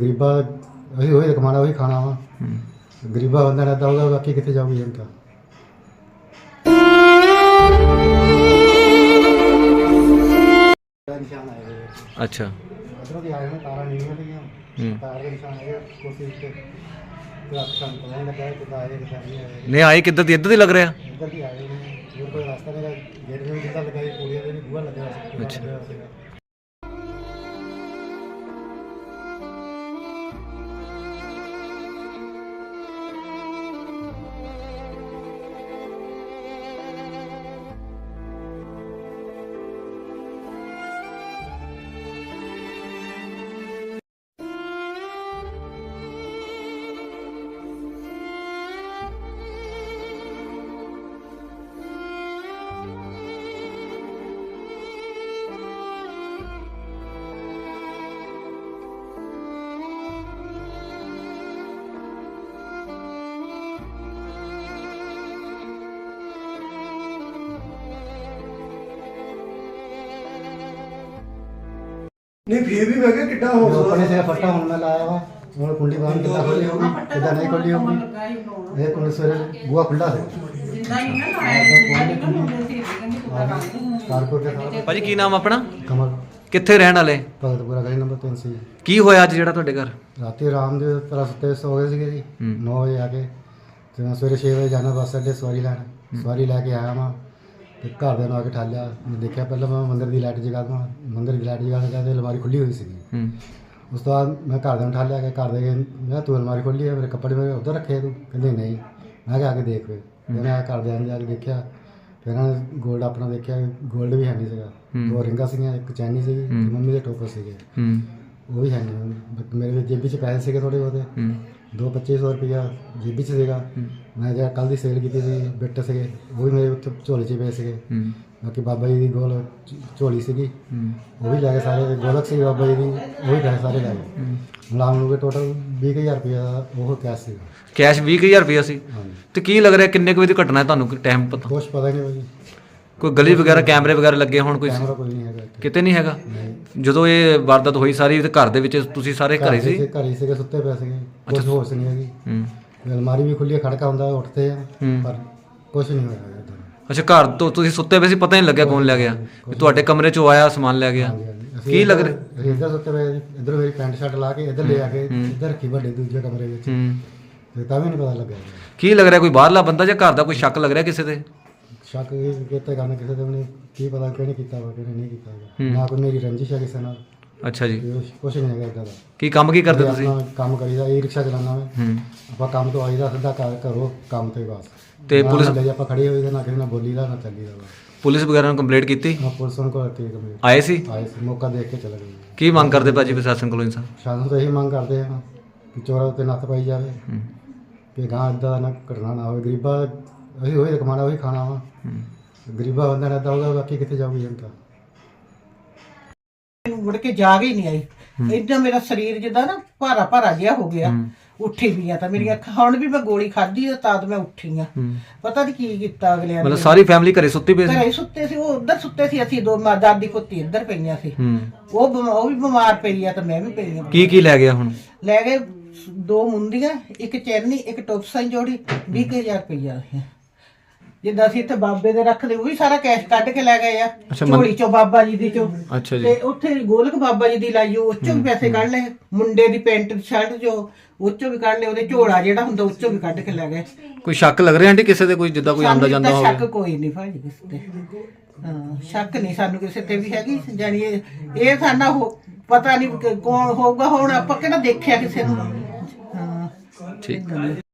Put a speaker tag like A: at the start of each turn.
A: ਗਰੀਬਾਂ ਅਸੀਂ ਉਹੀ ਕਮਾਣਾ ਉਹੀ ਖਾਣਾ ਵਾ। ਗਰੀਬਾਂ ਬੰਦਾ ਰਹਿੰਦਾ ਹੋਊਗਾ, ਬਾਕੀ ਕਿੱਥੇ ਜਾਊਗੀ ਜਨਤਾ। ਨਿਸ਼ਾਨ ਆਏ ਹੋਏ
B: ਅੱਛਾ
A: ਅਦਰੋਂ ਦੀ ਆਏ ਨੇ ਤਾਰਾਂ ਨੀਵੀਆਂ ਸੀਗੀਆਂ, ਤਾਰ ਦੇ ਨਿਸ਼ਾਨ ਆਏ ਕੋਸ਼ਿਸ਼ ਤੇ ਲੱਖਾਂ ਤੋਂ ਨਹੀਂ ਲੱਗਾ ਕਿ ਆਏ ਕਿ ਨਹੀਂ ਆਏ।
B: ਨਹੀਂ ਆਏ ਕਿੱਦਾਂ ਦੀ, ਇੱਧਰ ਦੀ ਲੱਗ ਰਿਹਾ।
A: ਇੱਧਰ ਦੀ ਆਏ ਨੇ, ਹੋਰ ਕੋਈ ਰਸਤਾ ਨਹੀਂ, ਗੇਟ ਵੀ ਜਿੱਦਾਂ ਲਗਾਈ ਕੁੜੀਆਂ ਦੇ ਵੀ ਬੂਹਾ ਲੱਗਿਆ ਸੀ।
B: ਅੱਛਾ।
C: नहीं फिर भी मैं क्या कितना हो
A: अपने से फटा होने में लाया हुआ और कुंडी बांध कितना खुली होगी कितना नहीं खुली होगी। एक कुंडी सवेरे बुआ खुला है कारपुर के साथ।
B: ਭਾਜੀ ਕੀ ਨਾਮ ਆਪਣਾ,
A: कमल
B: ਕਿੱਥੇ ਰਹਿਣ ਵਾਲੇ,
A: भगतपुरा गली नंबर 3 से।
B: ਕੀ ਹੋਇਆ ਅੱਜ ਜਿਹੜਾ ਤੁਹਾਡੇ ਘਰ।
A: राती आराम दे तरह सुते सो गए थे जी 9 बजे आके। तो मैं सवेरे 6 बजे जाना बस अड्डे सवारी लैन, सवारी लैके आया मैं ਤੇ ਘਰਦਿਆਂ ਨੂੰ ਆ ਕੇ ਠਾਲਿਆ। ਮੈਂ ਦੇਖਿਆ ਪਹਿਲਾਂ ਮੈਂ ਮੰਦਰ ਦੀ ਲਾਈਟ ਜਗਾ ਦਵਾਂ, ਮੰਦਰ ਦੀ ਲਾਈਟ ਜਗਾ ਕੇ ਤੇ ਅਲਮਾਰੀ ਖੁੱਲੀ ਹੋਈ ਸੀਗੀ। ਉਸ ਤੋਂ ਬਾਅਦ ਮੈਂ ਘਰਦਿਆਂ ਨੂੰ ਠਾਲਿਆ ਕਿ ਘਰ ਦੇ ਮੈਂ ਕਿਹਾ ਤੂੰ ਅਲਮਾਰੀ ਖੋਲੀ ਹੈ, ਮੇਰੇ ਕੱਪੜੇ ਮੇਰੇ ਉੱਧਰ ਰੱਖੇ ਤੂੰ, ਕਹਿੰਦੇ ਨਹੀਂ। ਮੈਂ ਕਿਹਾ ਆ ਕੇ ਦੇਖ ਫਿਰ ਮੈਂ ਘਰਦਿਆਂ ਨੇ ਜਾ ਕੇ ਦੇਖਿਆ, ਫਿਰ ਇਹਨਾਂ ਨੇ ਗੋਲਡ ਆਪਣਾ ਦੇਖਿਆ, ਗੋਲਡ ਵੀ ਹੈ ਨਹੀਂ ਸੀਗਾ। 2 ਰਿੰਗਾਂ ਸੀਗੀਆਂ, ਇੱਕ ਚੈਨੀ ਸੀਗੀ, ਮੰਮੀ ਦੇ ਟੋਪਰ ਸੀਗੇ, ਉਹ ਵੀ ਹੈ ਨਹੀਂ। ਮੇਰੇ ਜੇਬੀ 'ਚ ਪੈਸੇ ਸੀਗੇ ਥੋੜ੍ਹੇ ਬਹੁਤੇ, 2500 ਰੁਪਇਆ ਜੇਬੀ 'ਚ ਸੀਗਾ। ਮੈਂ ਜਿਹੜਾ ਕੱਲ੍ਹ ਦੀ ਸੇਲ ਕੀਤੀ ਸੀ ਬਿੱਟ ਸੀਗੇ, ਉਹ ਵੀ ਮੇਰੇ ਉੱਥੇ ਝੋਲੇ 'ਚ ਪਏ ਸੀਗੇ। ਬਾਕੀ ਬਾਬਾ ਜੀ ਦੀ ਗੋਲ ਝੋਲੀ ਸੀਗੀ, ਉਹ ਵੀ ਲੈ ਕੇ ਸਾਰੇ। ਗੋਲਕ ਸੀ ਬਾਬਾ ਜੀ ਦੀ, ਉਹ ਵੀ ਪੈਸੇ ਸਾਰੇ ਲੈ ਗਏ। ਮੁਲਾਮ ਨੂੰ ਟੋਟਲ 20000 ਰੁਪਇਆ ਦਾ ਉਹ ਕੈਸ਼ ਸੀਗਾ।
B: ਕੈਸ਼ 20000 ਰੁਪਇਆ ਸੀ।
A: ਹਾਂਜੀ।
B: ਤੇ ਕੀ ਲੱਗ ਰਿਹਾ ਕਿੰਨੇ ਕੁ ਵਜੇ ਦੀ ਘਟਨਾ ਹੈ, ਤੁਹਾਨੂੰ ਟਾਈਮ ਪਤਾ।
A: ਕੁਛ ਪਤਾ ਹੀ ਨਹੀਂ ਭਾਜੀ,
B: ਕੋਈ ਗਲੀ ਵਗੈਰਾ ਕੈਮਰੇ ਵਗੈਰਾ ਲੱਗੇ ਹੋਣ, ਕੋਈ
A: ਕੈਮਰਾ ਕੋਈ ਨਹੀਂ ਹੈਗਾ ਇੱਥੇ।
B: ਕਿਤੇ ਨਹੀਂ ਹੈਗਾ।
A: ਨਹੀਂ।
B: ਜਦੋਂ ਇਹ ਵਾਰਦਾਤ ਹੋਈ ਸਾਰੀ ਤੇ ਘਰ ਦੇ ਵਿੱਚ ਤੁਸੀਂ ਸਾਰੇ ਘਰੇ ਸੀ।
A: ਘਰ ਹੀ ਸੀਗੇ, ਸੁੱਤੇ ਪਏ ਸੀਗੇ, ਕੁਛ ਹੋਸ਼ ਨਹੀਂ ਹੈਗੀ। ਅਲਮਾਰੀ ਵੀ ਖੁੱਲੀ, ਖੜਕਾ ਹੁੰਦਾ ਉੱਠਦੇ ਆ, ਪਰ ਕੁਛ ਨਹੀਂ ਹੋਇਆ ਇੱਧਰ।
B: ਅੱਛਾ, ਘਰ ਤੋਂ ਤੁਸੀਂ ਸੁੱਤੇ ਪਏ ਸੀ, ਪਤਾ ਨਹੀਂ ਲੱਗਿਆ ਕੌਣ ਲੈ ਗਿਆ। ਤੁਹਾਡੇ ਕਮਰੇ 'ਚੋਂ ਆਇਆ ਸਮਾਨ ਲੈ ਗਿਆ। ਕੀ ਲੱਗ ਰਿਹਾ।
A: ਅਸੀਂ ਇੱਧਰ ਸੁੱਤੇ ਪਏ, ਇੱਧਰ ਮੇਰੀ ਪੈਂਟ ਸ਼ਰਟ ਲਾ ਕੇ ਇੱਧਰ ਲੈ ਆ ਕੇ ਇੱਧਰ ਰੱਖੀ ਵੱਡੇ ਦੂਜੇ ਕਮਰੇ ਵਿੱਚ, ਤੇ ਤਾਂ ਵੀ ਨਹੀਂ ਪਤਾ ਲੱਗਿਆ।
B: ਕੀ ਲੱਗ ਰਿਹਾ, ਕੋਈ ਬਾਹਰਲਾ ਬੰਦਾ ਜਾਂ ਘਰ ਦਾ ਕੋਈ ਸ਼ੱਕ ਲੱਗ ਰਿਹਾ ਕਿਸੇ ਤੇ।
A: ਸ਼ੱਕ ਕਿਤੇ ਕਰਨਾ ਕਿਸੇ ਤੇ ਵੀ ਨਹੀਂ, ਕੀ ਪਤਾ ਕਿਹਨੇ ਕੀਤਾ ਵਾ ਕਿਹਨੇ ਨਹੀਂ ਕੀਤਾ। ਨਾ ਕੋਈ ਮੇਰੀ ਰੰਜਿਸ਼ ਹੈ ਕਿਸੇ ਨਾਲ।
B: ਅੱਛਾ ਜੀ।
A: ਕੁਛ ਨਹੀਂ ਹੈਗਾ ਇੱਦਾਂ ਦਾ।
B: ਕੀ ਕੰਮ ਕੀ ਕਰਦੇ ਤੁਸੀਂ।
A: ਆਪਣਾ ਕੰਮ ਕਰੀਦਾ, ਇਹ ਰਿਕਸ਼ਾ ਚਲਾਉਂਦਾ ਮੈਂ। ਆਪਾਂ ਕੰਮ ਤੋਂ ਆਈਦਾ ਸਿੱਧਾ ਘਰੋਂ ਕੰਮ ਤੇ ਬਸ।
B: ਤੇ ਪੁਲਿਸ
A: ਆਪਾਂ ਖੜੇ ਹੋਈਦਾ, ਨਾ ਕਿਸੇ ਨਾਲ ਬੋਲੀਦਾ ਨਾ ਚੱਲੀਦਾ।
B: ਪੁਲਿਸ ਵਗੈਰਾ ਨੂੰ ਕੰਪਲੇਂਟ ਕੀਤੀ।
A: ਹਾਂ, ਪੁਲਿਸ ਨੂੰ ਕੋਲ ਤੇ ਕੰਪਲੀਟ
B: ਆਏ ਸੀ।
A: ਆਏ ਸੀ, ਮੌਕਾ ਦੇਖ ਕੇ ਚਲੇ ਗਏ।
B: ਕੀ ਮੰਗ ਕਰਦੇ ਭਾਜੀ ਪ੍ਰਸ਼ਾਸਨ ਕੋਲੋਂ ਇਨਸਾਨ।
A: ਸ਼ਾਸਨ ਤੋਂ ਇਹੀ ਮੰਗ ਕਰਦੇ ਹਾਂ ਕਿ ਚੋਰਾਂ ਉੱਤੇ ਨੱਥ ਪਾਈ ਜਾਵੇ, ਕਿ ਗਾਂ ਇੱਦਾਂ ਨਾ ਘਟਨਾ ਨਾ ਹੋਵੇ। ਗਰੀਬਾਂ ਅਸੀਂ ਉਹੀ ਕਮਾਣਾ ਉਹੀ ਖਾਣਾ ਵਾ। ਗਰੀਬਾਂ ਬੰਦਾ ਰਹਿੰਦਾ ਹੋਊਗਾ, ਬਾਕੀ ਕਿੱਥੇ ਜਾਊਗੀ ਜਨਤਾ।
D: ਮੁੜ ਕੇ ਜਾਗ ਹੀ ਨਹੀਂ ਆਈ। ਏਦਾਂ ਮੇਰਾ ਸਰੀਰ ਜਿੱਦਾਂ ਨਾ ਭਾਰਾ ਭਾਰਾ ਜਿਹਾ ਹੋ ਗਿਆ। ਉੱਠੀ ਵੀ ਆ ਤਾਂ ਮੇਰੀਆਂ ਹੁਣ ਵੀ ਮੈਂ ਗੋਲੀ ਖਾਧੀ ਤਾਂ ਮੈਂ ਉੱਠੀ ਆ। ਪਤਾ ਨਹੀਂ ਕੀ ਕੀਤਾ ਅਗਲਿਆਂ
B: ਮਤਲਬ ਸਾਰੀ ਫੈਮਿਲੀ ਘਰੇ ਸੁੱਤੀ ਪਈ ਸੀ।
D: ਘਰੇ ਸੁੱਤੇ ਸੀ, ਉਹ ਉੱਧਰ ਸੁੱਤੇ ਸੀ, ਅਸੀਂ 2 ਦਾਦੀ ਪੁੱਤੀ ਇੱਧਰ ਪਈਆਂ ਸੀ। ਉਹ ਵੀ ਬਿਮਾਰ ਪਈ ਆ ਤੇ ਮੈਂ ਵੀ ਪਈ ਆ।
B: ਕੀ ਲੈ ਗਿਆ ਹੁਣ।
D: ਲੈ ਗਏ 2 ਮੁੰਦੀਆਂ, ਇੱਕ ਚੈਨੀ, ਇੱਕ ਟੋਪਸਾਂ ਜੋੜੀ, 20000 ਰੁਪਇਆ। ਜਿੱਦਾਂ ਅਸੀਂ ਇੱਥੇ ਬਾਬੇ ਦੇ ਰੱਖਦੇ, ਉਹ ਵੀ ਸਾਰਾ ਕੈਸ਼ ਕੱਢ ਕੇ ਲੈ ਗਏ ਆ ਝੋਲੀ ਚੋਂ, ਬਾਬਾ ਜੀ ਦੀ ਚੋਂ।
B: ਅੱਛਾ ਜੀ।
D: ਤੇ ਉੱਥੇ ਗੋਲਕ ਬਾਬਾ ਜੀ ਦੀ ਲਾਈ, ਉਹ ਚੋਂ ਵੀ ਪੈਸੇ ਕੱਢ ਲਏ। ਮੁੰਡੇ ਦੀ ਪੈਂਟ ਸ਼ਰਟ ਜੋ ਉਹ ਚੋਂ ਵੀ ਕੱਢ ਲਏ, ਉਹਦੇ ਝੋਲਾ ਜਿਹੜਾ ਹੁੰਦਾ ਉਹ ਚੋਂ ਵੀ ਕੱਢ ਕੇ ਲੈ ਗਏ।
B: ਕੋਈ ਸ਼ੱਕ ਲੱਗ ਰਿਹਾ ਆਂਟੀ ਕਿਸੇ ਤੇ, ਕੋਈ ਜਿੱਦਾਂ ਕੋਈ ਆਉਂਦਾ ਜਾਂਦਾ ਹੋਵੇ।
D: ਸ਼ੱਕ ਕੋਈ ਨਹੀਂ ਭਾਜੀ ਕਿਸੇ ਤੇ। ਹਾਂ, ਸ਼ੱਕ ਨਹੀਂ ਸਾਨੂੰ ਕਿਸੇ ਤੇ ਵੀ ਹੈਗੀ। ਜਾਨੀ ਇਹ ਸਾਡਾ ਪਤਾ ਨਹੀਂ ਕੌਣ ਹੋਊਗਾ। ਹੁਣ ਆਪਾਂ ਕਿਹੜਾ ਦੇਖਿਆ ਕਿਸੇ ਨੂੰ। ਹਾਂ,
B: ਠੀਕ।